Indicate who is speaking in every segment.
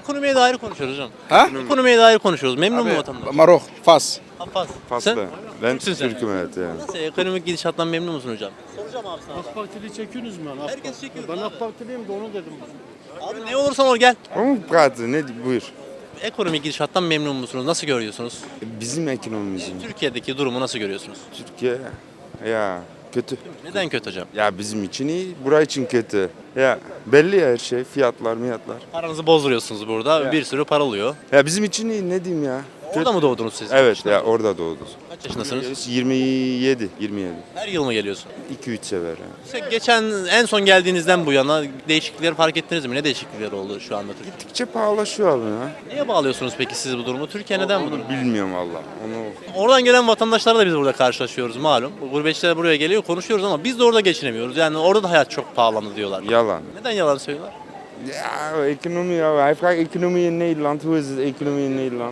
Speaker 1: Ekonomiye dair konuşuyoruz hocam.
Speaker 2: Ha?
Speaker 1: Ekonomiye dair konuşuyoruz. Memnun mu
Speaker 2: Abi,
Speaker 1: vatandaş?
Speaker 2: Marok, Fas.
Speaker 1: Abbas.
Speaker 3: Faslı.
Speaker 1: Sen?
Speaker 3: Ben
Speaker 1: Türksün sen.
Speaker 3: Türk'üm evet yani.
Speaker 1: Nasıl ekonomik gidişattan memnun musun hocam? Soracağım abi sana.
Speaker 4: AK Partili çekiyorsunuz mu? lan?
Speaker 1: Herkes çekiyor.
Speaker 4: Ben AK Partiliyim de onu dedim.
Speaker 1: Abi ne olursan ol gel.
Speaker 3: Ama gayet ne buyur.
Speaker 1: Ekonomik gidişattan memnun musunuz? Nasıl görüyorsunuz?
Speaker 3: Bizim ekonomimizin.
Speaker 1: Türkiye'deki durumu nasıl görüyorsunuz?
Speaker 3: Türkiye ya kötü.
Speaker 1: Neden kötü hocam?
Speaker 3: Ya bizim için iyi, buraya için kötü. Ya belli ya her şey, fiyatlar.
Speaker 1: Paranızı bozduruyorsunuz burada.
Speaker 3: Ya.
Speaker 1: Bir sürü para oluyor.
Speaker 3: Ya bizim için iyi ne diyeyim ya.
Speaker 1: Orada mı doğdunuz siz?
Speaker 3: Evet ya orada doğduk.
Speaker 1: Kaç yaşındasınız?
Speaker 3: 27.
Speaker 1: Her yıl mı geliyorsun?
Speaker 3: 2-3 sefer. Yani.
Speaker 1: İşte geçen en son geldiğinizden bu yana değişiklikleri fark ettiniz mi? Ne değişiklikler oldu şu anda Türkiye'de?
Speaker 3: Gittikçe pahalaşıyor abi ya.
Speaker 1: Neye bağlıyorsunuz peki siz bu durumu? Türkiye neden bu durum?
Speaker 3: Bilmiyorum valla. Onu
Speaker 1: Oradan gelen vatandaşlarla biz burada karşılaşıyoruz malum. Gurbetçiler buraya geliyor konuşuyoruz ama biz de orada geçinemiyoruz. Yani orada da hayat çok pahalandı diyorlar.
Speaker 3: yalan.
Speaker 1: Neden yalan söylüyorlar?
Speaker 3: Ja, ekonomie, ja. Hij vraagt ekonomie in Nederland. Hoe is het economie in Nederland?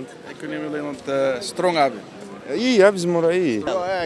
Speaker 2: Ekonomi strong abi.
Speaker 3: İyi ya bizim orayı iyi.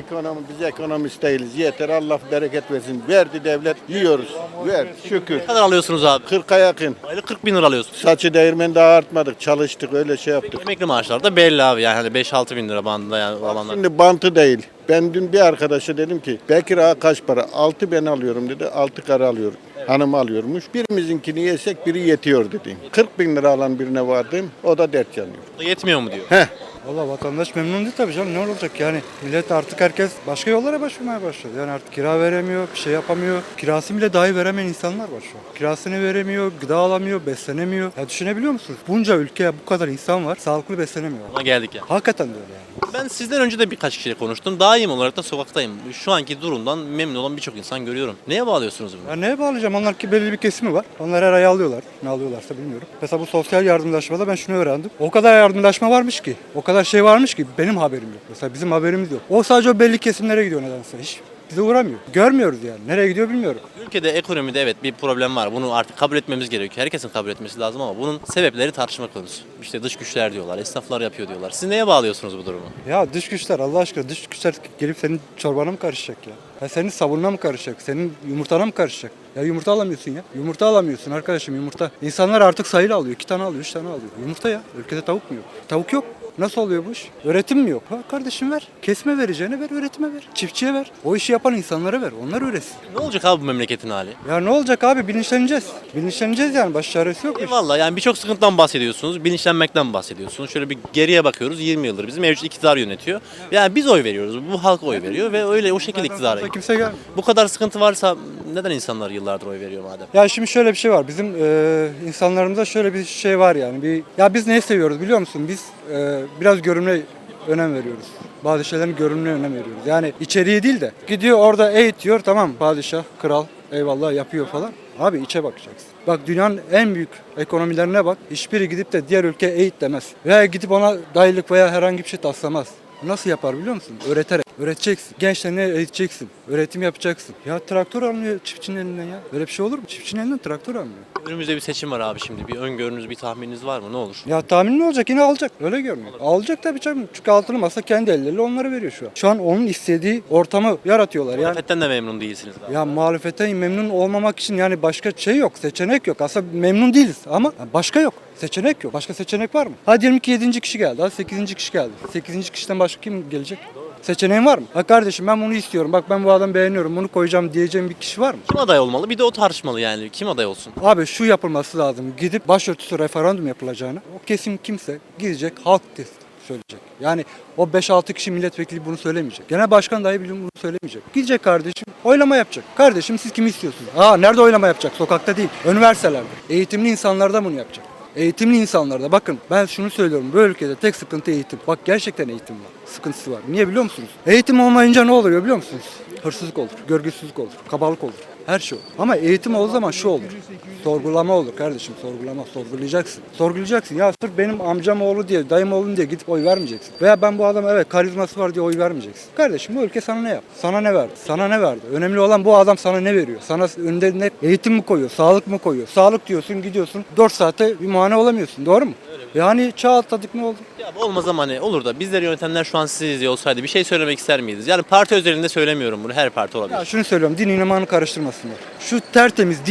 Speaker 4: Biz ekonomist değiliz. Yeter Allah bereket versin. Verdi devlet yiyoruz. Ver şükür.
Speaker 1: Ne kadar alıyorsunuz abi?
Speaker 4: 40'a yakın.
Speaker 1: Aylık 40 bin lira alıyorsunuz.
Speaker 4: Saçı değirmeni daha artmadık. Çalıştık öyle şey yaptık.
Speaker 1: Emekli maaşlar da belli abi yani hani 5-6 bin lira bandında yani olanlar.
Speaker 4: Şimdi bantı değil. Ben dün bir arkadaşa dedim ki Bekir ağa kaç para? 6 ben alıyorum dedi. 6 karı alıyorum. Hanım alıyormuş. Birimizinkini yesek biri yetiyor dedi. 40 bin lira alan birine vardım. O da dert yanıyor.
Speaker 1: Yetmiyor mu diyor.
Speaker 5: Valla vatandaş memnun değil tabii canım, ne olacak yani, millet artık herkes başka yollara başvurmaya başladı. Yani artık kira veremiyor, bir şey yapamıyor, kirasını bile dahi veremeyen insanlar var şu an. Kirasını veremiyor, gıda alamıyor, beslenemiyor. Ya düşünebiliyor musunuz? Bunca ülkeye bu kadar insan var, sağlıklı beslenemiyor.
Speaker 1: Ona geldik ya.
Speaker 5: Hakikaten de öyle yani.
Speaker 1: Ben sizden önce de birkaç kişiyle konuştum. Daim olarak da sokaktayım. Şu anki durumdan memnun olan birçok insan görüyorum. Neye bağlıyorsunuz bunu?
Speaker 5: Ya neye bağlayacağım? Onlar ki belli bir kesimi var. Onlar her ay alıyorlar. Ne alıyorlarsa bilmiyorum. Mesela bu sosyal yardımlaşmada ben şunu öğrendim. O kadar yardımlaşma varmış ki, o kadar şey varmış ki benim haberim yok. Mesela bizim haberimiz yok. O sadece o belli kesimlere gidiyor nedense. Hiç bize uğramıyor. Görmüyoruz yani. Nereye gidiyor bilmiyorum.
Speaker 1: Ülkede ekonomide evet bir problem var. Bunu artık kabul etmemiz gerekiyor. Herkesin kabul etmesi lazım ama bunun sebepleri tartışma konusu. İşte dış güçler diyorlar, esnaflar yapıyor diyorlar. Siz neye bağlıyorsunuz bu durumu?
Speaker 5: Ya dış güçler, Allah aşkına dış güçler gelip senin çorbana mı karışacak ya? Ya senin sabununa mı karışacak? Senin yumurtana mı karışacak? Ya yumurta alamıyorsun ya. Yumurta alamıyorsun arkadaşım, yumurta. İnsanlar artık sayılı alıyor. 2 tane alıyor, 3 tane alıyor. Yumurta ya. Ülkede tavuk mu yok? Tavuk yok. Nasıl oluyor bu iş? Öğretim mi yok? Ha kardeşim ver. Kesme vereceğine ver, üretime ver. Çiftçiye ver. O işi yapan insanlara ver. Onlar üretsin.
Speaker 1: Ne olacak abi bu memleketin hali?
Speaker 5: Ya ne olacak abi? Bilinçleneceğiz. Bilinçleneceğiz yani. Baş çaresi yok.
Speaker 1: Eyvallah yani birçok sıkıntıdan bahsediyorsunuz, bilinçlenmekten bahsediyorsunuz. Şöyle bir geriye bakıyoruz 20 yıldır bizim mevcut iktidar yönetiyor. Yani biz oy veriyoruz, bu halk oy veriyor ve öyle o şekilde iktidara gidiyor.
Speaker 5: Kimse gelmiyor.
Speaker 1: Bu kadar sıkıntı varsa neden insanlar yıllardır oy veriyor madem?
Speaker 5: Ya şimdi şöyle bir şey var. Bizim insanlarımızda şöyle bir şey var yani. Ya biz neyi seviyoruz biliyor musun? Biz biraz görünme önem veriyoruz. Bazı şeylerin görünümüne önem veriyoruz. Yani içeriği değil de gidiyor orada eğitiyor, tamam, padişah, kral eyvallah yapıyor falan. Abi içe bakacaksın. Bak dünyanın en büyük ekonomilerine bak. Hiçbiri gidip de diğer ülke eğit demez. Veya gidip ona dayılık veya herhangi bir şey taslamaz. Nasıl yapar biliyor musun? Öğreterek. Öğreteceksin. Gençlerine eğiteceksin. Öğretim yapacaksın. Ya traktör almıyor çiftçinin elinden ya. Böyle bir şey olur mu? Çiftçinin elinden traktör almıyor.
Speaker 1: Önümüzde bir seçim var abi şimdi. Bir öngörünüz, bir tahmininiz var mı? Ne olur?
Speaker 5: Ya tahmin ne olacak? Yine alacak. Öyle görünüyor. Alacak tabii canım. Çünkü altılı masa kendi elleriyle onları veriyor şu an. Şu an onun istediği ortamı yaratıyorlar. Yani
Speaker 1: Muhalefetten de memnun değilsiniz abi.
Speaker 5: ya muhalefetten memnun olmamak için yani başka şey yok, seçenek yok. Aslında memnun değiliz ama başka yok. Seçenek yok. Başka seçenek var mı? Hadi diyelim ki 7. kişi geldi. Hadi 8. kişi geldi. 8. kişiden başka kim gelecek? Seçeneğin var mı? Ha kardeşim ben bunu istiyorum. Bak ben bu adamı beğeniyorum. Bunu koyacağım diyeceğim bir kişi var mı?
Speaker 1: Kim aday olmalı? Bir de o tartışmalı yani. Kim aday olsun?
Speaker 5: Abi şu yapılması lazım. Gidip başörtüsü referandum yapılacağını. O kesim kimse gidecek halk söyleyecek. Yani o 5-6 kişi milletvekili bunu söylemeyecek. Genel başkan dahi bunu söylemeyecek. Gidecek kardeşim oylama yapacak. Kardeşim siz kimi istiyorsunuz? Nerede oylama yapacak? Sokakta değil. Üniversitelerde. Eğitimli insanlarda bunu yapacak. Eğitimli insanlarda bakın ben şunu söylüyorum, bu ülkede tek sıkıntı eğitim. Bak gerçekten eğitim var, sıkıntısı var. Niye biliyor musunuz? Eğitim olmayınca ne oluyor biliyor musunuz? Hırsızlık olur, görgüsüzlük olur, kabalık olur. Her şey olur. Ama eğitim olduğu zaman şu olur. Sorgulama olur kardeşim, sorgulama. Sorgulayacaksın. Sorgulayacaksın. Ya sırf benim amcam oğlu diye, dayım oğlum diye gidip oy vermeyeceksin. Veya ben bu adama evet karizması var diye oy vermeyeceksin. Kardeşim bu ülke sana ne yaptı? Sana ne verdi? Sana ne verdi? Önemli olan bu adam sana ne veriyor? Sana önde ne eğitim mi koyuyor? Sağlık mı koyuyor? Sağlık diyorsun gidiyorsun 4 saate bir muayene olamıyorsun. Doğru mu? Yani çağ atladık ne oldu?
Speaker 1: Ya bu olmaz ama hani olur da bizleri yönetenler şu an sizi izliyor olsaydı bir şey söylemek ister miydiniz? Yani parti özelinde söylemiyorum bunu. Her parti olabilir.
Speaker 5: Ya şunu söylüyorum, din imanı karıştırmasınlar. Şu tertemiz dini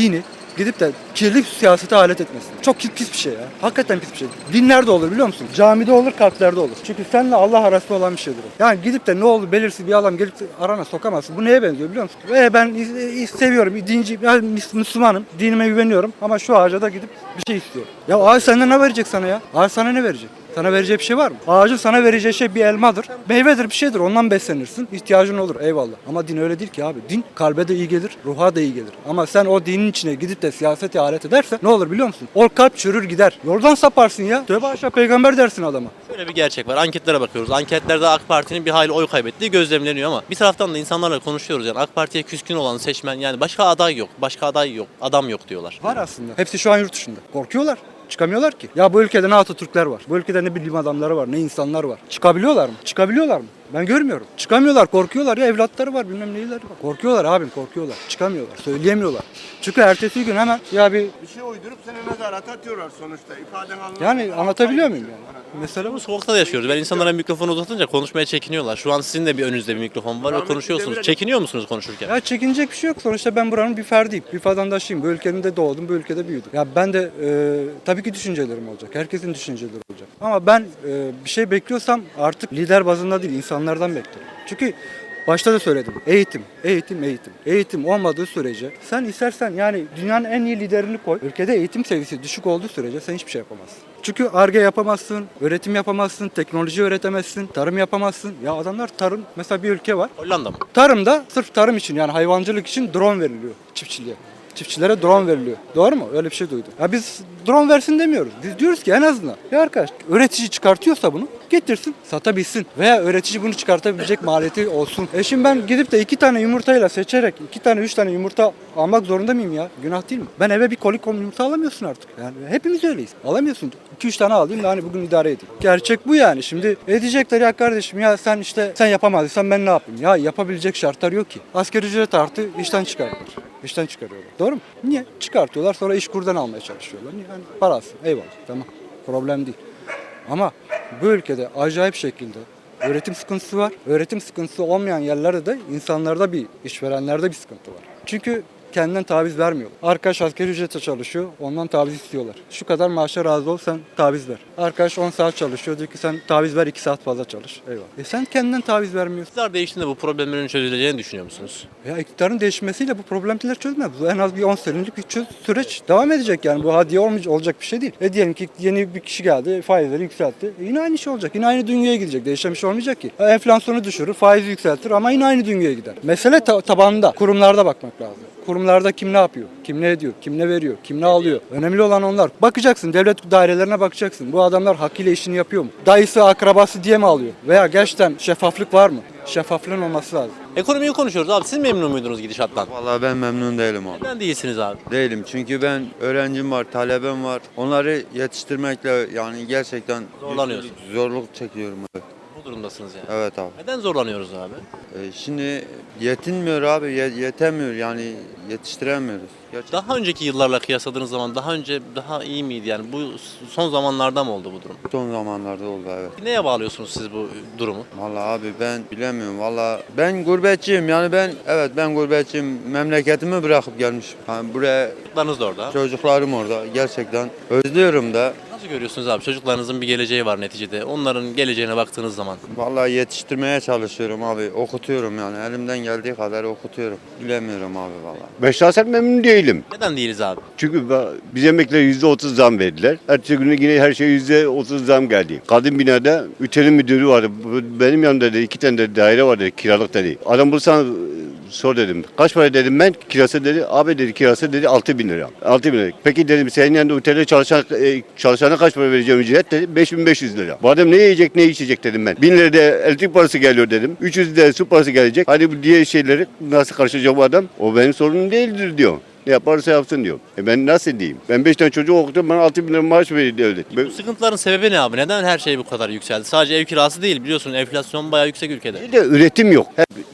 Speaker 5: gidip de kirli siyasete alet etmesin. Çok pis bir şey ya. Hakikaten pis bir şey. Din nerede olur biliyor musun? Camide olur, kalplerde olur. Çünkü seninle Allah arasında olan bir şeydir o. Yani gidip de ne oldu belirsiz bir adam gelip arana sokamazsın. Bu neye benziyor biliyor musun? Ben seviyorum, dinci, yani Müslümanım, dinime güveniyorum ama şu ağaca da gidip bir şey istiyorum. Ya ağaç senden ne verecek sana ya? Ağaç sana ne verecek? Sana vereceği bir şey var mı? Ağacın sana vereceği şey bir elmadır. Meyvedir, bir şeydir. Ondan beslenirsin. İhtiyacın olur. Eyvallah. Ama din öyle değil ki abi. Din kalbe de iyi gelir, ruha da iyi gelir. Ama sen o dinin içine gidip de siyasete alet edersen ne olur biliyor musun? O kalp çürür gider. Yoldan saparsın ya. Tövbe aşağı peygamber dersin adama.
Speaker 1: Şöyle bir gerçek var. Anketlere bakıyoruz. Anketlerde AK Parti'nin bir hayli oy kaybettiği gözlemleniyor ama bir taraftan da insanlarla konuşuyoruz yani AK Parti'ye küskün olan seçmen yani başka aday yok, başka aday yok, adam yok diyorlar.
Speaker 5: Var aslında. Hepsi şu an yurt dışında. Korkuyorlar. Çıkamıyorlar ki. Ya bu ülkede ne Atatürkler var. Bu ülkede ne bilim adamları var, ne insanlar var. Çıkabiliyorlar mı? Çıkabiliyorlar mı? Ben görmüyorum. Çıkamıyorlar, korkuyorlar ya, evlatları var, bilmem neyleri var. Korkuyorlar abim, korkuyorlar. Çıkamıyorlar, söyleyemiyorlar. Çünkü ertesi gün hemen ya bir
Speaker 6: şey uydurup seni mezarata atıyorlar sonuçta. İfaden anlamında.
Speaker 5: yani anlatabiliyor muyum yani? Mesela
Speaker 1: Bu sokakta da yaşıyoruz. Ben insanlara mikrofonu uzatınca konuşmaya çekiniyorlar. Şu an sizin de bir önünüzde bir mikrofon var ve konuşuyorsunuz. Çekiniyor musunuz konuşurken?
Speaker 5: ya çekinecek bir şey yok. Sonuçta ben buranın bir ferdiyim. Bir vatandaşıyım. Bu ülkenin de doğdum, bu ülkede büyüdüm. Ya ben de tabii ki düşüncelerim olacak. Herkesin düşünceleri olacak. Ama ben bir şey bekliyorsam artık lider bazında değil, insanlardan bekliyorum. Çünkü başta da söyledim. Eğitim, eğitim, eğitim. Eğitim olmadığı sürece sen istersen yani dünyanın en iyi liderini koy. Ülkede eğitim seviyesi düşük olduğu sürece sen hiçbir şey yapamazsın. Çünkü Ar-Ge yapamazsın, öğretim yapamazsın, teknoloji öğretemezsin, tarım yapamazsın. Ya adamlar tarım, mesela bir ülke var.
Speaker 1: Hollanda mı?
Speaker 5: Tarımda sırf tarım için yani hayvancılık için drone veriliyor çiftçiliğe. Çiftçilere drone veriliyor. Doğru mu? Öyle bir şey duydum. Ya biz drone versin demiyoruz. Biz diyoruz ki en azından ya arkadaş üretici çıkartıyorsa bunu getirsin, satabilsin. Veya üretici bunu çıkartabilecek maliyeti olsun. Şimdi ben gidip de 2 tane yumurtayla seçerek 2 tane 3 tane yumurta almak zorunda mıyım ya? Günah değil mi? Ben eve bir kolikom yumurta alamıyorsun artık. Yani hepimiz öyleyiz. Alamıyorsun. 2-3 tane alayım da hani bugün idare edeyim. Gerçek bu yani. Şimdi edecekler ya kardeşim ya sen yapamadıysan ben ne yapayım? Ya yapabilecek şartlar yok ki. Asgari ücret artı işten çıkardılar. İşten çıkarıyorlar. Doğru mu? Niye? Çıkartıyorlar sonra işkurdan almaya çalışıyorlar. Yani parası. Eyvallah. Tamam. Problem değil. Ama bu ülkede acayip şekilde öğretim sıkıntısı var. Öğretim sıkıntısı olmayan yerlerde de insanlarda işverenlerde bir sıkıntı var. Çünkü kendinden taviz vermiyor. Arkadaş asgari ücrete çalışıyor, ondan taviz istiyorlar. Şu kadar maaşa razı ol, sen taviz ver. Arkadaş 10 saat çalışıyor, diyor ki sen taviz ver 2 saat fazla çalış. Eyvallah. Sen kendinden taviz vermiyorsun.
Speaker 1: İktidar değiştiğinde bu problemlerin çözüleceğini düşünüyor musunuz?
Speaker 5: Ya iktidarın değişmesiyle bu problemler çözmez. Bu en az bir 10 senelik bir süreç devam edecek yani. Bu hadiye olacak bir şey değil. Diyelim ki yeni bir kişi geldi, faizleri yükseltti. Yine aynı şey olacak. Yine aynı dünyaya gidecek. Değişen bir şey olmayacak ki. Enflasyonu düşürür, faizi yükseltir ama yine aynı dünyaya gider. Mesele tabanında, kurumlarda bakmak lazım. Kurumlarda kim ne yapıyor, kim ne ediyor, kim ne veriyor, kim ne alıyor. Önemli olan onlar. Bakacaksın, devlet dairelerine bakacaksın. Bu adamlar hakkıyla işini yapıyor mu? Dayısı, akrabası diye mi alıyor? Veya gerçekten şeffaflık var mı? Şeffaflığın olması lazım.
Speaker 1: Ekonomiyi konuşuyoruz abi. Siz memnun muydunuz gidişattan?
Speaker 7: Vallahi ben memnun değilim abi.
Speaker 1: Neden değilsiniz abi?
Speaker 7: Değilim çünkü ben öğrencim var, talebem var. Onları yetiştirmekle yani gerçekten
Speaker 1: Zorlanıyorsun.
Speaker 7: zorluk çekiyorum abi.
Speaker 1: Bu durumdasınız yani.
Speaker 7: Evet abi.
Speaker 1: Neden zorlanıyoruz abi?
Speaker 7: Şimdi yetinmiyor abi, yetemiyor yani yetiştiremiyoruz. Gerçekten.
Speaker 1: Daha önceki yıllarla kıyasladığınız zaman daha önce daha iyi miydi yani? Bu son zamanlarda mı oldu bu durum?
Speaker 7: Son zamanlarda oldu evet.
Speaker 1: Neye bağlıyorsunuz siz bu durumu?
Speaker 7: Vallahi abi ben bilemiyorum. Vallahi ben gurbetçiyim yani ben gurbetçiyim. Memleketimi bırakıp gelmişim. Yani buraya
Speaker 1: Çocuklarınız da orada.
Speaker 7: çocuklarım orada gerçekten özlüyorum da.
Speaker 1: Nasıl görüyorsunuz abi? Çocuklarınızın bir geleceği var neticede. Onların geleceğine baktığınız zaman.
Speaker 7: Vallahi yetiştirmeye çalışıyorum abi. Okutuyorum yani. Elimden geldiği kadar okutuyorum. Bilemiyorum abi vallahi.
Speaker 8: Ben şahsen memnun değilim.
Speaker 1: Neden değiliz abi?
Speaker 8: Çünkü biz emekliler %30 zam verdiler. Ertesi günü yine her şey %30 zam geldi. Kadın binada ütelim müdürü vardı. Benim yanımda dedi 2 tane de daire var dedi, kiralık dedi. Adam bulsan sor dedim. Kaç para dedim ben? Kirası dedi. Abi dedi kirası dedi 6.000 lira. 6.000 lira. Peki dedim senin yanında otelde çalışana kaç para vereceğim ücret dedi. 5.500 lira. Bu adam ne yiyecek ne içecek dedim ben. 1000 lira da elektrik parası geliyor dedim. 300 lira su parası gelecek. Hadi bu diğer şeyleri nasıl karşılayacak bu adam? O benim sorunum değildir diyor. Ne yaparsa yapsın diyor. Ben nasıl diyeyim? Ben 5 tane çocuk okudum, bana 6.000 lira maaş veriyor devlet.
Speaker 1: Bu sıkıntıların sebebi ne abi? Neden her şey bu kadar yükseldi? Sadece ev kirası değil biliyorsun enflasyon bayağı yüksek ülkede.
Speaker 8: Bir de üretim yok. Hep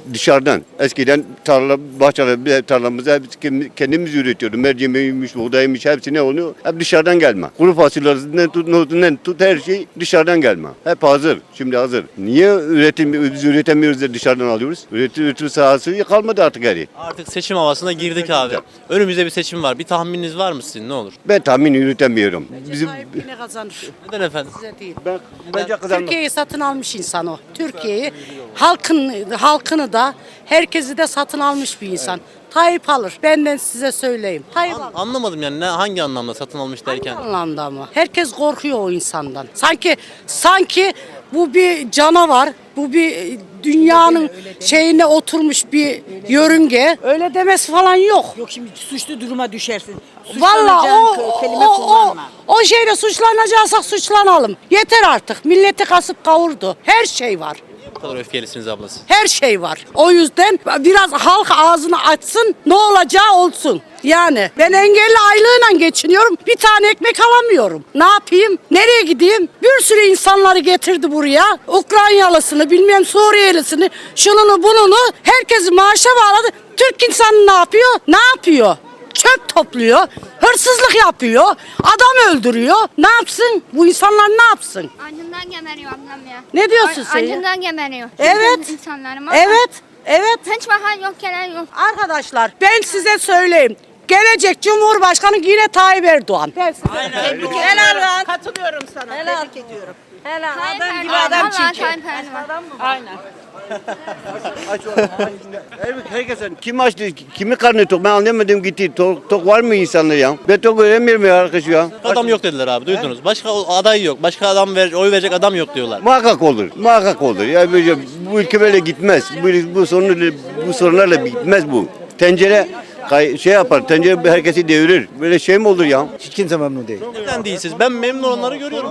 Speaker 8: dışarıdan. Eskiden tarla, bahçeler, tarlamızı hep kendimiz üretiyorduk. Mercimeğiymiş, buğdaymış hepsi ne oluyor? Hep dışarıdan gelme. Kuru fasulyesinden tut, nohutundan tut her şey dışarıdan gelme. Hep hazır. Şimdi hazır. Niye biz üretemiyoruz da dışarıdan alıyoruz? Üretim sahası kalmadı artık geri.
Speaker 1: Artık seçim havasına girdik abi. Önümüzde bir seçim var. Bir tahmininiz var mı sizin? Ne olur?
Speaker 8: Ben tahmin yürütemiyorum. Bizim
Speaker 9: Ne kazanır?
Speaker 1: Neden efendim?
Speaker 9: Size değil.
Speaker 8: bence kazanmaz.
Speaker 9: Türkiye'yi satın almış insan o. Türkiye'yi, halkını da, herkesi de satın almış bir insan. Tayyip alır. Benden size söyleyeyim. Tayyip alır.
Speaker 1: Anlamadım yani hangi anlamda satın almış derken?
Speaker 9: Hangi anlamda mı? Herkes korkuyor o insandan. Sanki bu bir canavar, bu bir dünyanın şeyine oturmuş bir yörünge. Öyle demesi falan yok.
Speaker 10: Yok şimdi suçlu duruma düşersin.
Speaker 9: Vallahi
Speaker 10: Suçlanacağın kelime kullanma.
Speaker 9: o şeyle suçlanacaksak suçlanalım. Yeter artık. Milleti kasıp kavurdu. Her şey var.
Speaker 1: Bu kadar öfkelisiniz ablası.
Speaker 9: Her şey var. O yüzden biraz halk ağzını açsın, ne olacağı olsun. Yani ben engelli aylığıyla geçiniyorum. Bir tane ekmek alamıyorum. Ne yapayım? Nereye gideyim? Bir sürü insanları getirdi buraya. Ukraynalısını, bilmem Suriyelisini, şununu bununu. Herkesi maaşa bağladı. Türk insanı ne yapıyor? Ne yapıyor? Çöp topluyor, hırsızlık yapıyor, adam öldürüyor. Ne yapsın? Bu insanlar ne yapsın?
Speaker 11: Acından geberiyor ablam ya.
Speaker 9: Ne diyorsun sen ya?
Speaker 11: Acından geberiyor.
Speaker 9: Evet.
Speaker 11: İnsanlarım.
Speaker 9: Evet.
Speaker 11: Hiç bakan yok, gelen yok.
Speaker 9: Arkadaşlar ben size söyleyeyim. Gelecek Cumhurbaşkanı yine Tayyip Erdoğan.
Speaker 10: Helal lan. Katılıyorum sana. Tebrik ediyorum. Helal. Adam gibi adam çünkü. Aynen.
Speaker 8: Herkesin kim açtı, kimi karnı tok ben anlamadım gitti. Tok var mı insanlar ya? Ben tok göremiyorum ya arkadaş ya.
Speaker 1: Adam yok dediler abi duydunuz. Başka aday yok. Başka oy verecek adam yok diyorlar.
Speaker 8: Muhakkak olur. Muhakkak olur. Ya böyle bu ülke böyle gitmez. Bu sorunlarla bitmez bu. Tencere şey yapar. Tencere herkesi devirir. Böyle şey mi olur ya?
Speaker 5: Hiç kimse memnun değil.
Speaker 1: Neden değilsiniz? Ben memnun olanları görüyorum.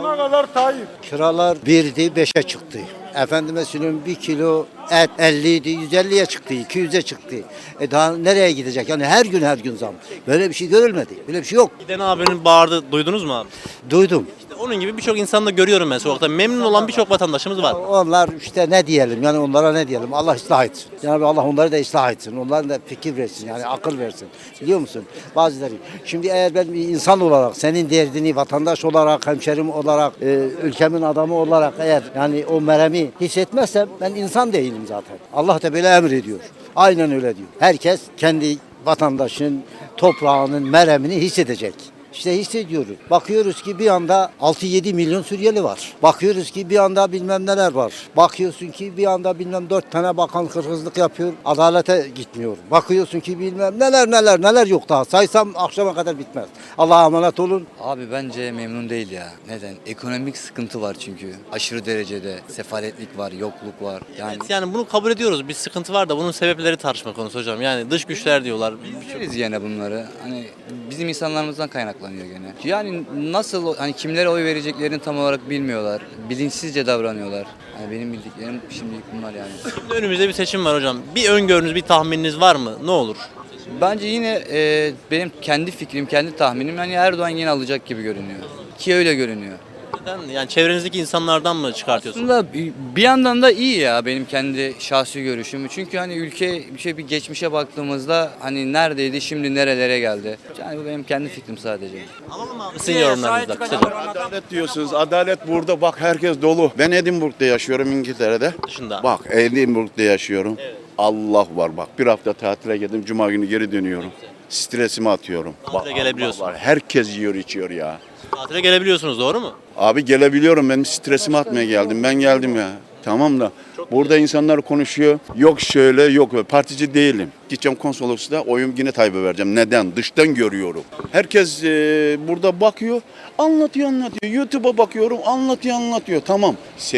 Speaker 5: Kiralar 1'di 5'e çıktı. Efendime söyleyeyim 1 kilo et 50 idi 150'ye çıktı 200'e çıktı. Daha nereye gidecek? Yani her gün zam. Böyle bir şey görülmedi. Böyle bir şey yok.
Speaker 1: Giden abinin bağırdı. Duydunuz mu abi?
Speaker 5: Duydum.
Speaker 1: İşte onun gibi birçok insanı da görüyorum ben sokakta. Memnun olan birçok vatandaşımız var.
Speaker 5: Onlar işte ne diyelim yani onlara ne diyelim Allah ıslah etsin. Yani Allah onları da ıslah etsin. Onlara da fikir versin yani akıl versin. Biliyor musun? Bazıları. Şimdi eğer ben bir insan olarak senin derdini vatandaş olarak hemşerim olarak ülkemin adamı olarak eğer yani o meremi hissetmezsem ben insan değilim zaten. Allah da böyle emrediyor. Aynen öyle diyor. Herkes kendi vatandaşın toprağının meremini hissedecek. İşte hissediyoruz. Bakıyoruz ki bir anda 6-7 milyon Suriyeli var. Bakıyoruz ki bir anda bilmem neler var. Bakıyorsun ki bir anda bilmem 4 tane bakan hırsızlık yapıyor. Adalete gitmiyor. Bakıyorsun ki bilmem neler yok daha. Saysam akşama kadar bitmez. Allah'a emanet olun.
Speaker 12: Abi bence memnun değil ya. Neden? Ekonomik sıkıntı var çünkü. Aşırı derecede sefaletlik var, yokluk var.
Speaker 1: Yani bunu kabul ediyoruz. Bir sıkıntı var da bunun sebepleri tartışma konusu hocam. Yani dış güçler diyorlar.
Speaker 12: Biliriz yine bunları. Hani bizim insanlarımızdan kaynaklanıyor gene. Yani nasıl hani kimlere oy vereceklerini tam olarak bilmiyorlar. Bilinçsizce davranıyorlar. Yani benim bildiklerim şimdilik bunlar yani.
Speaker 1: Şimdi önümüzde bir seçim var hocam. Bir öngörünüz, bir tahmininiz var mı? Ne olur?
Speaker 12: Bence yine benim kendi fikrim, kendi tahminim yani Erdoğan yine alacak gibi görünüyor. Ki öyle görünüyor.
Speaker 1: Neden? Yani çevrenizdeki insanlardan mı çıkartıyorsunuz?
Speaker 12: Aslında bir yandan da iyi ya benim kendi şahsi görüşüm. Çünkü hani ülke bir geçmişe baktığımızda hani neredeydi şimdi nerelere geldi. Yani bu benim kendi fikrim sadece.
Speaker 1: Alalım abi sizin yorumlarınızda kısaca.
Speaker 2: Adalet diyorsunuz. Adalet burada. Bak herkes dolu. Ben Edinburgh'da yaşıyorum İngiltere'de.
Speaker 1: Dışında.
Speaker 2: Bak Edinburgh'da yaşıyorum. Allah var bak. Bir hafta tatile geldim. Cuma günü geri dönüyorum. Stresimi atıyorum.
Speaker 1: Tatile gelebiliyorsun.
Speaker 2: Allah var. Herkes yiyor içiyor ya.
Speaker 1: Tatile gelebiliyorsunuz doğru mu?
Speaker 2: Abi gelebiliyorum. Ben stresimi atmaya geldim. Ben geldim ya. Tamam da burada insanlar konuşuyor. Yok şöyle yok böyle. Partici değilim. Gideceğim konsolosluğa oyum yine Tayyip'e vereceğim. Neden? Dıştan görüyorum. Herkes burada bakıyor. Anlatıyor. YouTube'a bakıyorum. Anlatıyor. Tamam.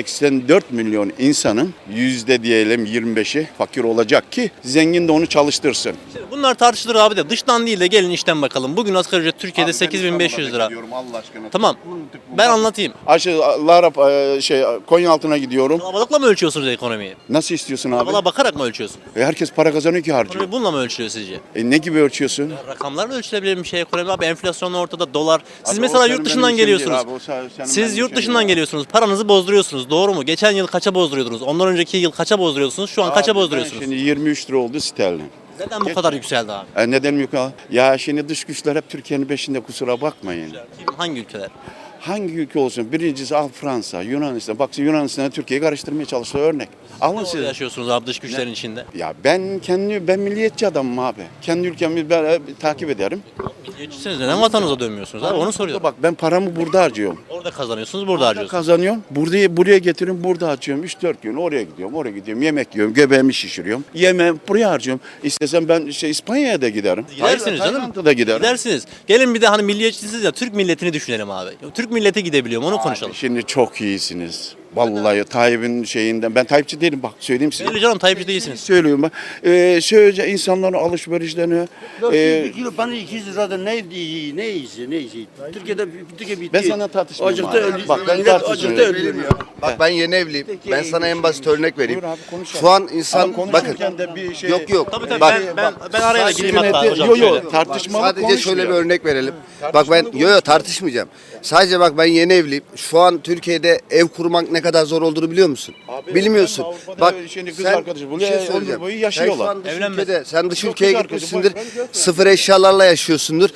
Speaker 2: 84 milyon insanın diyelim 25'i fakir olacak ki zengin de onu çalıştırsın.
Speaker 1: Bunlar tartışılır abi de dıştan değil de gelin içten bakalım. Bugün asgari ücret Türkiye'de 8.500 lira.
Speaker 2: Allah aşkına.
Speaker 1: Tamam. Ben anlatayım.
Speaker 2: Konyaaltı'na gidiyorum.
Speaker 1: Kalabalıkla mı ölçüyorsunuz ekonomiyi?
Speaker 2: Nasıl istiyorsun abi?
Speaker 1: Valla bakarak mı ölçüyorsun?
Speaker 2: Herkes para kazanıyor ki harcıyor.
Speaker 1: Ekonomi bununla mı ölçülüyor sizce?
Speaker 2: Ne gibi ölçüyorsun?
Speaker 1: Rakamlarla ölçülebilir bir şey ekonomi abi. Enflasyon ortada, dolar. Siz
Speaker 2: Abi
Speaker 1: mesela
Speaker 2: o
Speaker 1: yurt
Speaker 2: senin
Speaker 1: dışından
Speaker 2: benim işim değil
Speaker 1: geliyorsunuz.
Speaker 2: abi, o senin benim
Speaker 1: Siz yurt
Speaker 2: işim
Speaker 1: dışından
Speaker 2: değil.
Speaker 1: geliyorsunuz. Paranızı bozduruyorsunuz. Doğru mu? Geçen yıl kaça bozduruyordunuz? Ondan önceki yıl kaça bozduruyorsunuz? Şu an kaça
Speaker 2: Abi ben
Speaker 1: bozduruyorsunuz?
Speaker 2: Şimdi 23 lira oldu sterlin.
Speaker 1: Neden bu kadar yükseldi abi?
Speaker 2: Neden yok abi? Ya şimdi dış güçler hep Türkiye'nin peşinde, kusura bakmayın.
Speaker 1: Kim, hangi ülkeler?
Speaker 2: Hangi ülke olsun? Birincisi al Fransa, Yunanistan. Bak Yunanistan'a Türkiye'yi karıştırmaya çalıştığı örnek. Alın
Speaker 1: Nasıl
Speaker 2: siz.
Speaker 1: yaşıyorsunuz abi dış güçlerin içinde?
Speaker 2: Ya ben milliyetçi adamım abi. Kendi ülkemi ben takip ederim.
Speaker 1: Milliyetçisiniz. Neden vatanınıza dönmüyorsunuz abi? Onu soruyorum.
Speaker 2: Bak ben paramı burada harcıyorum.
Speaker 1: Orada kazanıyorsunuz, burada harcıyorsunuz.
Speaker 2: Kazanıyorum. Buraya getiriyorum, burada harcıyorum. 3-4 gün oraya gidiyorum, oraya gidiyorum. Yemek yiyorum, göbeğimi şişiriyorum. Yemeğimi buraya harcıyorum. İstesem ben İspanya'ya da giderim.
Speaker 1: Gidersiniz canım.
Speaker 2: Tayland'a da giderim.
Speaker 1: Gidersiniz. Gelin bir de hani milliyetçisiniz ya, Türk milletini düşünelim abi. Türk milleti gidebiliyor mu? Onu konuşalım.
Speaker 2: Şimdi çok iyisiniz. Vallahi Tayyip'in şeyinden. Ben Tayyipçi değilim, bak söyleyeyim size.
Speaker 1: Belli canım, Tayyipçi değilsiniz.
Speaker 2: Söylüyorum ben. Söyleyece insanların alışverişlerini.
Speaker 6: Bir kilo bana 200 liradan ne iyisi. Türkiye bitti.
Speaker 2: Ben sana tartışmıyorum
Speaker 6: Acıkta
Speaker 2: abi.
Speaker 6: öldü.
Speaker 2: Bak ben
Speaker 6: Millet acıkta
Speaker 2: tartışmıyorum.
Speaker 6: ölüyor ya.
Speaker 7: Bak ben yeni evliyim. Ben sana en basit örnek vereyim.
Speaker 2: Buyur abi, konuşalım.
Speaker 7: Şu an insan
Speaker 2: Ama
Speaker 7: bakın.
Speaker 2: konuşurken de bir şey.
Speaker 7: Yok.
Speaker 1: Tabii tabii,
Speaker 7: Bak,
Speaker 1: ben araya da gireyim hatta hocam.
Speaker 2: Yok
Speaker 1: şöyle.
Speaker 2: yok tartışmalı
Speaker 7: sadece şöyle bir
Speaker 2: konuşmuyor.
Speaker 7: örnek verelim. Bak ben tartışmayacağım. Sadece bak ben yeni evliyim. Şu an Türkiye'de ev kurmak ne kadar zor olduğunu biliyor musun?
Speaker 2: Abi,
Speaker 7: Bilmiyorsun.
Speaker 2: ben Avrupa'da
Speaker 7: Bak
Speaker 2: şimdi kız
Speaker 7: sen
Speaker 2: arkadaşı,
Speaker 7: bir şey
Speaker 2: ömür
Speaker 7: söyleyeceğim.
Speaker 2: boyu
Speaker 7: Sen
Speaker 2: yaşıyorlar.
Speaker 7: şu an dış
Speaker 1: Evlenmez.
Speaker 7: ülkede, sen dış
Speaker 2: Çok
Speaker 7: ülkeye
Speaker 2: kız arkadaşı,
Speaker 7: gitmişsindir.
Speaker 2: boyfriend, girlfriend.
Speaker 7: Sıfır eşyalarla yaşıyorsundur.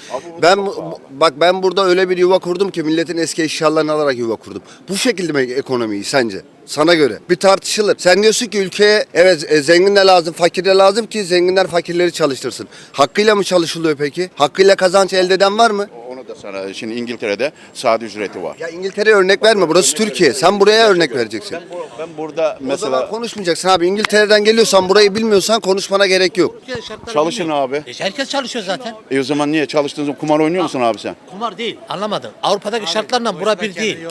Speaker 7: Ben burada öyle bir yuva kurdum ki milletin eski eşyalarını alarak yuva kurdum. Bu şekilde mi ekonomiyi sence? Sana göre. Bir tartışılır. Sen diyorsun ki ülkeye evet zengin de lazım, fakir de lazım ki zenginler fakirleri çalıştırsın. Hakkıyla mı çalışılıyor peki? Hakkıyla kazanç elde eden var mı?
Speaker 2: Onu da sana şimdi İngiltere'de saat ücreti var.
Speaker 7: Ya İngiltere'ye örnek verme. Burası Türkiye. Sen buraya örnek vereceksin.
Speaker 2: Ben burada
Speaker 7: O zaman
Speaker 2: mesela
Speaker 7: konuşmayacaksın abi. İngiltere'den geliyorsan burayı bilmiyorsan konuşmana gerek yok.
Speaker 2: çalışın abi.
Speaker 13: Herkes çalışıyor zaten.
Speaker 2: O zaman niye çalıştığın zaman kumar oynuyor musun abi sen?
Speaker 13: Kumar değil. Anlamadım. Avrupa'daki şartlarla bura bir değil.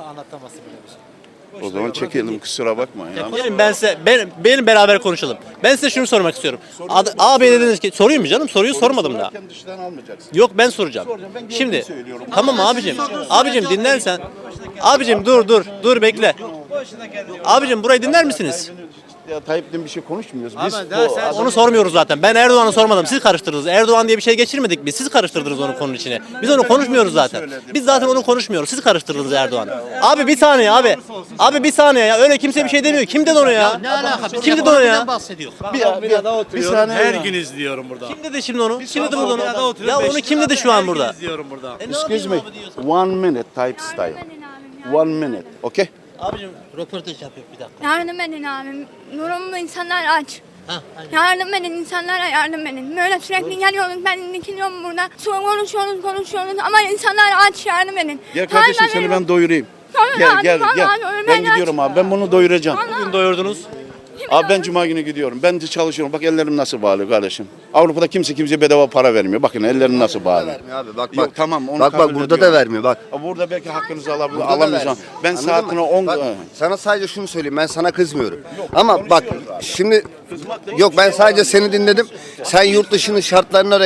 Speaker 2: O zaman çekelim, kusura bakma ya.
Speaker 1: Gelin benim beraber konuşalım. Ben size şunu sormak istiyorum. Abi dediniz ki sorayım mı canım? Soruyu sormadım daha.
Speaker 2: Dıştan almayacaksın.
Speaker 1: Yok ben soracağım. Şimdi tamam abicim. Abicim dinlersen. Abicim dur bekle. Abicim burayı dinler misiniz?
Speaker 2: Ya Tayyip'ten bir şey konuşmuyoruz. Biz
Speaker 1: Onu sormuyoruz zaten. Ben Erdoğan'ı sormadım. Siz karıştırdınız. Erdoğan diye bir şey geçirmedik biz. Siz karıştırdınız onu konunun içine. Biz onu konuşmuyoruz zaten. Biz zaten onu konuşmuyoruz. Siz karıştırdınız Erdoğan'ı. Abi bir saniye abi. Abi bir saniye ya. Öyle kimse bir şey demiyor. Kim dedi onu ya?
Speaker 13: Ne alaka? Biz
Speaker 1: Kim dedi onu ya?
Speaker 13: ekonomiden bahsediyoruz.
Speaker 2: bir saniye.
Speaker 6: Her gün izliyorum burada.
Speaker 1: Kim dedi şimdi onu? Kim dedi burada onu? Ya onu kim dedi şu an burada?
Speaker 6: İzliyorum burada.
Speaker 2: Excuse me. 1 minute Tayyip style. 1 minute. Okay?
Speaker 13: Abicim röportaj yapıyor bir dakika.
Speaker 11: Yardım edin abim. Durumda insanlar aç.
Speaker 13: Ha, aynen.
Speaker 11: Yardım edin, insanlara yardım edin. Böyle sürekli geliyoruz, ben dikiliyorum burada. Sonra konuşuyoruz ama insanlar aç, yardım edin.
Speaker 2: Gel kardeşim
Speaker 11: Hayır,
Speaker 2: seni ben doyurayım.
Speaker 11: Tamam
Speaker 2: Gel
Speaker 11: abi,
Speaker 2: gel
Speaker 11: vallahi
Speaker 2: gel.
Speaker 11: abi,
Speaker 2: Ben
Speaker 11: ben
Speaker 2: gidiyorum
Speaker 11: açım.
Speaker 2: abi. Ben bunu doyuracağım.
Speaker 1: Bugün doyurdunuz.
Speaker 2: Abi ben cuma günü gidiyorum. Ben de çalışıyorum. Bak ellerim nasıl bağlı kardeşim. Avrupa'da kimseye bedava para vermiyor. Bakın ellerim nasıl bağlı.
Speaker 7: Vermiyor abi bak
Speaker 2: Yok,
Speaker 7: bak.
Speaker 2: tamam, onu
Speaker 7: Bak
Speaker 2: kabul
Speaker 7: burada da
Speaker 2: ediyorum.
Speaker 7: vermiyor bak.
Speaker 2: Burada belki hakkınızı
Speaker 7: Burada da
Speaker 2: alamayacağım.
Speaker 7: vermiyor.
Speaker 2: Ben
Speaker 7: Anladın
Speaker 2: saatine
Speaker 7: mı?
Speaker 2: 10
Speaker 7: Bak, sana sadece şunu söyleyeyim, ben sana kızmıyorum. Ama bak şimdi yok, ben sadece seni dinledim. Sen yurt dışının şartlarına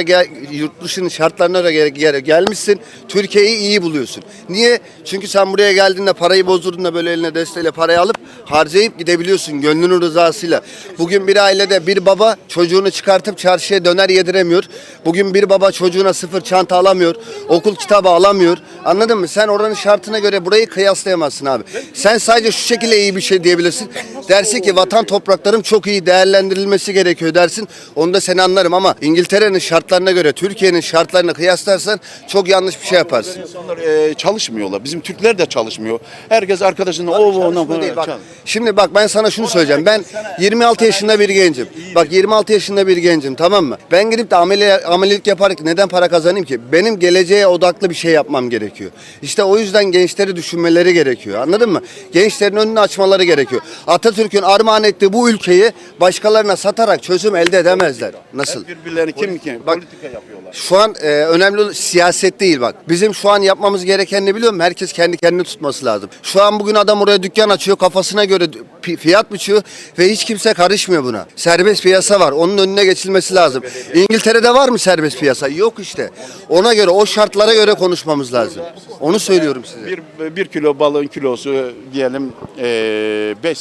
Speaker 7: göre gelmişsin. Türkiye'yi iyi buluyorsun. Niye? Çünkü sen buraya geldiğinde parayı bozdurduğunda böyle eline desteğiyle parayı alıp harcayıp gidebiliyorsun gönlünün rızasıyla. Bugün bir ailede bir baba çocuğunu çıkartıp çarşıya döner yediremiyor. Bugün bir baba çocuğuna sıfır çanta alamıyor. Okul kitabı alamıyor. Anladın mı? Sen oranın şartına göre burayı kıyaslayamazsın abi. Sen sadece şu şekilde iyi bir şey diyebilirsin. Dersin ki vatan topraklarım çok iyi değerlendirilmesi gerekiyor dersin. Onu da seni anlarım ama İngiltere'nin şartlarına göre Türkiye'nin şartlarını kıyaslarsan çok yanlış bir şey yaparsın.
Speaker 2: İnsanlar çalışmıyorlar. Bizim Türkler de çalışmıyor. Herkes arkadaşının
Speaker 7: Çalışma değil, bak. Şimdi bak ben sana şunu söyleyeceğim. Ben 26 yaşında bir gencim. Bak 26 yaşında bir gencim, tamam mı? Ben gidip de amelilik yaparak neden para kazanayım ki? Benim geleceğe odaklı bir şey yapmam gerekiyor. İşte o yüzden gençleri düşünmeleri gerekiyor. Anladın mı? Gençlerin önünü açmaları gerekiyor. Atatürk'ün armağan ettiği bu ülkeyi başkalarına satarak çözüm elde edemezler. Nasıl?
Speaker 2: Birbirlerini kim
Speaker 7: Bak,
Speaker 2: politika yapıyorlar.
Speaker 7: Şu an önemli olan siyaset değil bak. Bizim şu an yapmamız gereken ne biliyor musun? Herkes kendi kendini tutması lazım. Şu an bugün adam oraya dükkan açıyor, kafasına göre fiyat biçiyor ve hiç kimse karışmıyor buna. Serbest piyasa var. Onun önüne geçilmesi lazım. İngiltere'de var mı serbest piyasa? Yok işte. Ona göre, o şartlara göre konuşmamız lazım. Onu söylüyorum size.
Speaker 2: Bir kilo balığın kilosu diyelim 5 sterlin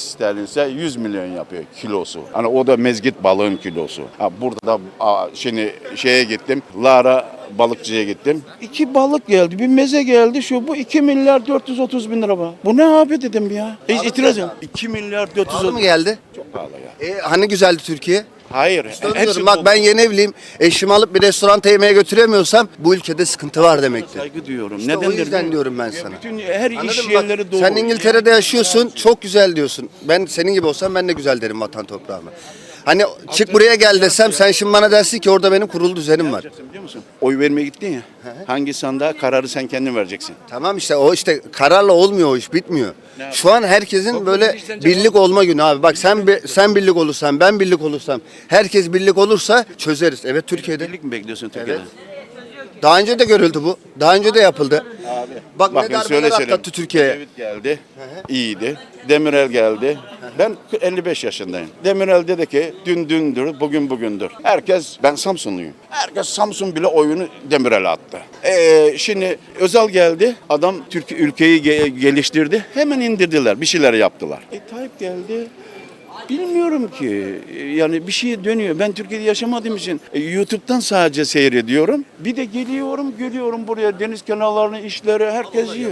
Speaker 2: ise 100 milyon yapıyor kilosu. Hani o da mezgit balığın kilosu. Ha, burada da şimdi şeye gittim. Lara balıkçıya gittim. 2 balık geldi, bir meze geldi. Şu bu 2 milyar 430 bin lira. Bu ne abi dedim ya. Hiç itiraz yok. 2 milyar 430
Speaker 7: Pahalı mı geldi?
Speaker 2: Çok pahalı ya.
Speaker 7: Hani güzeldi Türkiye?
Speaker 2: Hayır.
Speaker 7: Diyorum, bak ben yeni evliyim. Eşimi alıp bir restoranta yemeğe götüremiyorsam bu ülkede sıkıntı var demektir.
Speaker 2: Saygı duyuyorum.
Speaker 7: İşte
Speaker 2: neden
Speaker 7: o yüzden
Speaker 2: dedim?
Speaker 7: diyorum ben
Speaker 2: Ya
Speaker 7: sana.
Speaker 2: bütün her
Speaker 7: Anladın
Speaker 2: iş
Speaker 7: mı? Bak,
Speaker 2: yerleri doğru.
Speaker 7: sen İngiltere'de yaşıyorsun, çok güzel diyorsun. Ben senin gibi olsam ben de güzel derim vatan toprağıma. Hani çık buraya gel desem sen şimdi bana dersin ki orada benim kurulu düzenim var.
Speaker 2: Biliyor musun? Oy vermeye gittin ya. Hangi sandığa kararı sen kendin vereceksin.
Speaker 7: Tamam işte o işte kararla olmuyor o iş bitmiyor. Şu an herkesin böyle birlik olma günü abi. Bak sen birlik olursan ben birlik olursam herkes birlik olursa çözeriz. Evet Türkiye'de.
Speaker 2: Birlik mi bekliyorsun Türkiye'de?
Speaker 7: Daha önce de görüldü bu. Daha önce de yapıldı. Bak
Speaker 2: Bakın
Speaker 7: ne darbeler atlattı Türkiye'ye.
Speaker 2: Ecevit geldi. İyiydi. Demirel geldi. Ben 55 yaşındayım. Demirel dedi ki dün dündür, bugün bugündür. Ben Samsunluyum. Herkes Samsun bile oyunu Demirel'e attı. Şimdi Özal geldi. Adam ülkeyi geliştirdi. Hemen indirdiler. Bir şeyler yaptılar. Tayyip geldi. Bilmiyorum ki. Yani bir şey dönüyor. Ben Türkiye'de yaşamadığım için YouTube'dan sadece seyrediyorum. Bir de geliyorum buraya deniz kenarlarını, işleri herkes yiyor.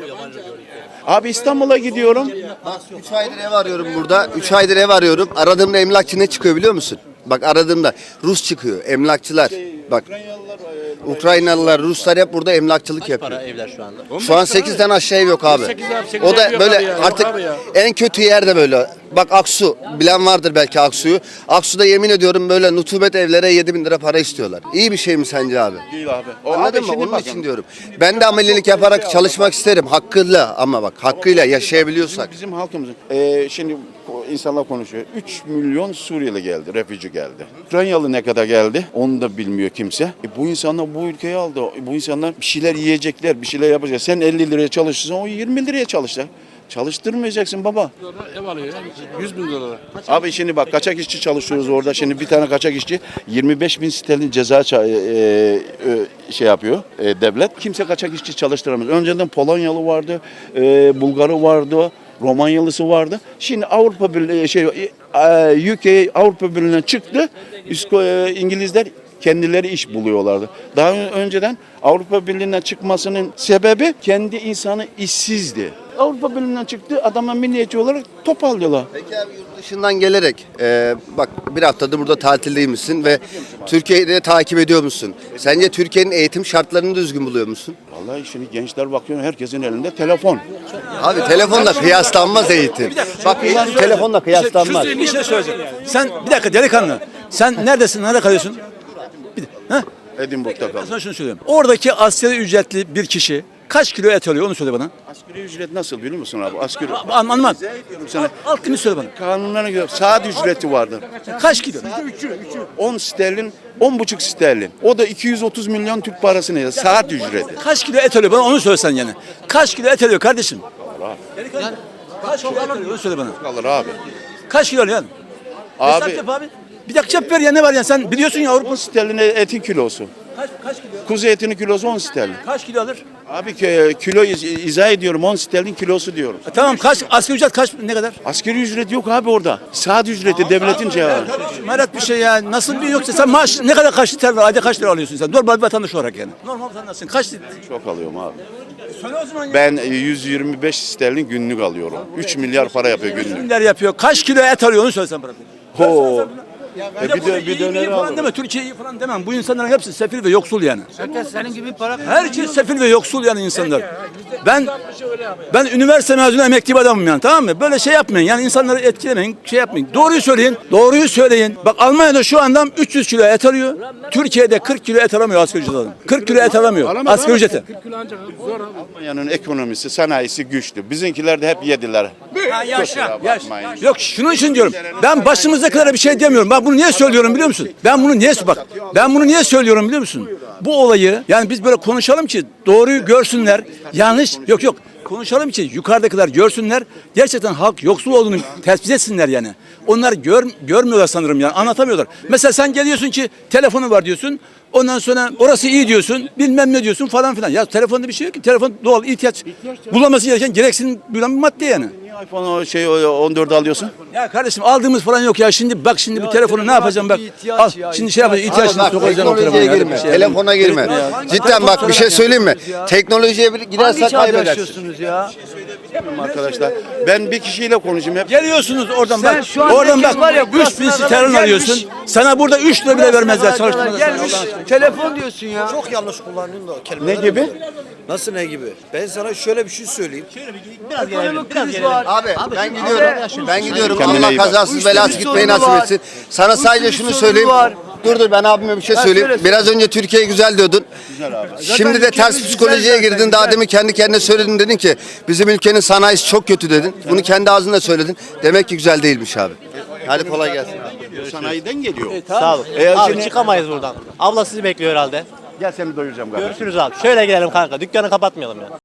Speaker 2: Abi İstanbul'a gidiyorum.
Speaker 7: Bak 3 aydır ev arıyorum burada. 3 aydır ev arıyorum. Aradığımda emlakçı ne çıkıyor biliyor musun? Bak aradığımda Rus çıkıyor. Emlakçılar. Bak Ukraynalılar, Ruslar hep burada emlakçılık yapıyor.
Speaker 1: Para evler şu anda.
Speaker 7: Şu an 8'den aşağı ev yok abi. O da böyle artık en kötü yerde böyle. Bak Aksu, bilen vardır belki Aksu'yu. Aksu'da yemin ediyorum böyle nutubet evlere 7.000 lira para istiyorlar. İyi bir şey mi sence abi?
Speaker 2: Değil abi.
Speaker 7: Anladın mı? Onun için diyorum. Ben de amelilik yaparak çalışmak isterim. Hakkıyla ama bak hakkıyla yaşayabiliyorsak.
Speaker 2: Bizim halkımızın. Şimdi insanlar konuşuyor. 3 milyon Suriyeli geldi, refüji geldi. Ukraynalı ne kadar geldi? Onu da bilmiyor kimse. Bu insanlar bu ülkeyi aldı. Bu insanlar bir şeyler yiyecekler, bir şeyler yapacak. Sen 50 liraya çalışırsan o 20 liraya çalışacak. Çalıştırmayacaksın baba.
Speaker 6: Ev alıyor 100 bin dolara.
Speaker 2: Abi şimdi bak kaçak işçi çalışıyoruz orada. Şimdi bir tane kaçak işçi 25 bin sterlin ceza şey yapıyor devlet. Kimse kaçak işçi çalıştıramaz. Önceden Polonyalı vardı, Bulgarı vardı, Romanyalısı vardı. Şimdi Avrupa Birliği UK Avrupa Birliği'ne çıktı. İngilizler kendileri iş buluyorlardı. Daha önceden Avrupa Birliği'nden çıkmasının sebebi kendi insanı işsizdi. Avrupa Birliği'nden çıktı, adama milliyetçi olarak topallıyorlar.
Speaker 7: Peki abi yurt dışından gelerek bak bir haftadır burada tatildeymişsin ve Türkiye'yi de takip ediyor musun? Sence Türkiye'nin eğitim şartlarını düzgün buluyor musun?
Speaker 2: Vallahi şimdi gençler bakıyor herkesin elinde telefon.
Speaker 7: Abi telefonla kıyaslanmaz eğitim. Bak telefonla kıyaslanmaz.
Speaker 14: Bir şey söyleyeceğim. Sen bir dakika delikanlı. Sen neredesin? Nerede kalıyorsun?
Speaker 2: Edinburgh'da
Speaker 14: Ben
Speaker 2: kaldım.
Speaker 14: sana şunu söylüyorum. Oradaki asgari ücretli bir kişi kaç kilo et alıyor onu söyle bana.
Speaker 2: Asgari ücret nasıl biliyor musun abi? Asgari
Speaker 14: Anlamam.
Speaker 2: sana.
Speaker 14: Alt limit söyle bana.
Speaker 2: Kanunlara göre saat ücreti vardır.
Speaker 14: Kaç kilo?
Speaker 2: 10 sterlin, 10,5 sterlin. O da 230 milyon Türk parası ne? Saat ücreti.
Speaker 14: Kaç kilo et alıyor bana onu söylesen yani. Kaç kilo et alıyor kardeşim? Delikanlı. Kaç kilo et alıyor onu söyle bana.
Speaker 2: Kalır abi.
Speaker 14: Kaç kilo alıyor yani? Hesap
Speaker 2: Abi
Speaker 14: yap abi. Bir dakika cevap ver ya ne var ya sen biliyorsun ya Avrupa.
Speaker 2: 10 sterlin etin kilosu.
Speaker 14: Kaç kilo?
Speaker 2: Kuzu etinin kilosu 10 sterlin.
Speaker 14: Kaç kilo alır?
Speaker 2: Abi kilo izah ediyorum 10 sterlin kilosu diyorum.
Speaker 14: Tamam kaç asgari ücret kaç ne kadar?
Speaker 2: Asgari ücret yok abi orada. Saat ücreti devletin cevabı.
Speaker 14: Merak bir şey ya. Nasıl bir yoksa sen maaş ne kadar kaç lira ayda kaç lira alıyorsun sen? Normal bir vatandaş olarak yani. Normal vatandaşsın. Kaç lira?
Speaker 2: Çok alıyorum abi.
Speaker 14: Söyle o zaman ya.
Speaker 2: Ben 125 sterlin günlük alıyorum. 3 milyar para yapıyor günlük.
Speaker 14: Kimler yapıyor? Kaç kilo et alıyor onu söylesen bana.
Speaker 2: Ho.
Speaker 14: Bir döner falan deme. Türkiye iyi falan demem. Bu insanların hepsi sefil ve yoksul yani.
Speaker 13: Herkes senin gibi para
Speaker 14: Herkes sefil ve yoksul yani insanlar. Ben üniversite mezunu emekli bir adamım yani tamam mı? Böyle şey yapmayın yani insanları etkilemeyin, şey yapmayın. Doğruyu söyleyin, doğruyu söyleyin. Bak Almanya'da şu anda 300 kilo et alıyor. Türkiye'de 40 kilo et alamıyor asgari ücret adam. 40 kilo et alamıyor asgari ücreti.
Speaker 2: Almanya'nın ekonomisi, sanayisi güçlü. Bizimkiler de hep yediler.
Speaker 14: Yok şunun için diyorum. Ben başımızdakilara bir şey demiyorum. Ben bunu niye söylüyorum biliyor musun? Ben bunu niye söylüyorum biliyor musun? Bu olayı yani biz böyle konuşalım ki doğruyu görsünler. Yanlış yok. Konuşalım ki yukarıdakiler görsünler. Gerçekten halk yoksul olduğunu tespit etsinler yani. Onlar görmüyorlar sanırım yani anlatamıyorlar. Mesela sen geliyorsun ki telefonu var diyorsun. Ondan sonra orası iyi diyorsun. Bilmem ne diyorsun falan filan. Ya telefonda bir şey yok ki. Telefon doğal ihtiyaç. Bulunması gereken gereksinim bir madde yani.
Speaker 2: iPhone 14 alıyorsun?
Speaker 14: Ya kardeşim aldığımız falan yok ya. Şimdi bak şimdi bu telefonu ne yapacağım bak. Al şimdi şey yapacağım. İhtiyaçını
Speaker 7: Bak,
Speaker 14: sokacağım o telefona.
Speaker 7: teknolojiye
Speaker 14: ya.
Speaker 7: girme.
Speaker 14: Bir şey
Speaker 7: Telefona girme. Cidden bak bir şey söyleyeyim mi? Teknolojiye girersek kaybedersin.
Speaker 3: ya?
Speaker 2: Arkadaşlar ben bir kişiyle konuşayım hep.
Speaker 14: Geliyorsunuz oradan
Speaker 3: Sen
Speaker 14: bak.
Speaker 3: şu an
Speaker 14: Oradan
Speaker 3: herkes
Speaker 14: bak.
Speaker 3: var ya,
Speaker 14: 3000
Speaker 3: burasına
Speaker 14: sterlin
Speaker 3: kadar
Speaker 14: alıyorsun.
Speaker 3: gelmiş.
Speaker 14: Sana burada 3 lira bile vermezler çalışmada.
Speaker 3: Gelmiş telefon diyorsun ya.
Speaker 15: Çok yanlış kullanıyorsun da
Speaker 2: Ne
Speaker 15: kelimeler.
Speaker 2: gibi?
Speaker 15: Nasıl ne gibi? Ben sana şöyle bir şey söyleyeyim.
Speaker 3: Ekonomik kriz var.
Speaker 7: Abi ben gidiyorum. Ben gidiyorum.
Speaker 2: Kendine
Speaker 7: Allah
Speaker 2: iyi bak.
Speaker 7: kazasız belasız gitmeyi
Speaker 3: sorunu
Speaker 7: nasip
Speaker 3: var.
Speaker 7: etsin. Sana sadece şunu
Speaker 3: sorunu
Speaker 7: söyleyeyim.
Speaker 3: var.
Speaker 7: Dur ben abime bir şey söyleyeyim.
Speaker 3: söyle.
Speaker 7: Biraz önce Türkiye güzel diyordun. Şimdi de ters
Speaker 3: ülkemiz
Speaker 7: psikolojiye
Speaker 3: güzel zaten,
Speaker 7: girdin. Daha
Speaker 3: güzel.
Speaker 7: demin kendi kendine söyledin, dedin ki bizim ülkenin sanayisi çok kötü dedin. Bunu kendi ağzınla söyledin. Demek ki güzel değilmiş abi. Hadi kolay gelsin.
Speaker 2: Sanayiden geliyor.
Speaker 1: Sağ olun. Abi çıkamayız buradan. Abla sizi bekliyor herhalde.
Speaker 2: Gel seni doyuracağım kardeşim.
Speaker 1: Görüşürüz abi. Şöyle gidelim kanka. Dükkanı kapatmayalım ya.